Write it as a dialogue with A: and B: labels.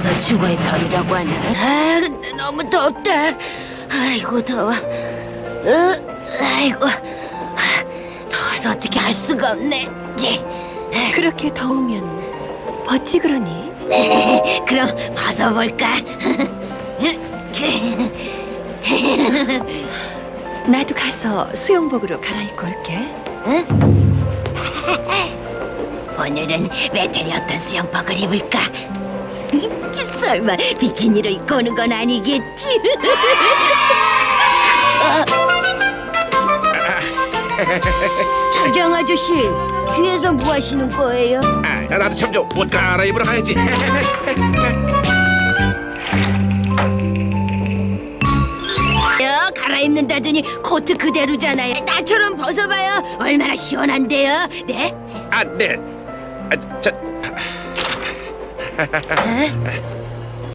A: 그래서 죽어의 별이라고 하나? 아, 근데 너무 덥다. 아이고 더워. 아이고 더워서 어떻게 할 수가 없네.
B: 그렇게 더우면 벗지 그러니?
A: 그럼 벗어볼까?
B: 나도 가서 수영복으로 갈아입고 올게.
A: 오늘은 메텔이 어떤 수영복을 입을까? 설마 비키니로 입고 오는 건 아니겠지? 차장 아저씨, 뒤에서 뭐 하시는 거예요?
C: 나도 참 좀 옷 갈아입으러 가야지.
A: 갈아입는다더니 코트 그대로잖아요. 나처럼 벗어봐요. 얼마나 시원한데요? 네?
C: 네.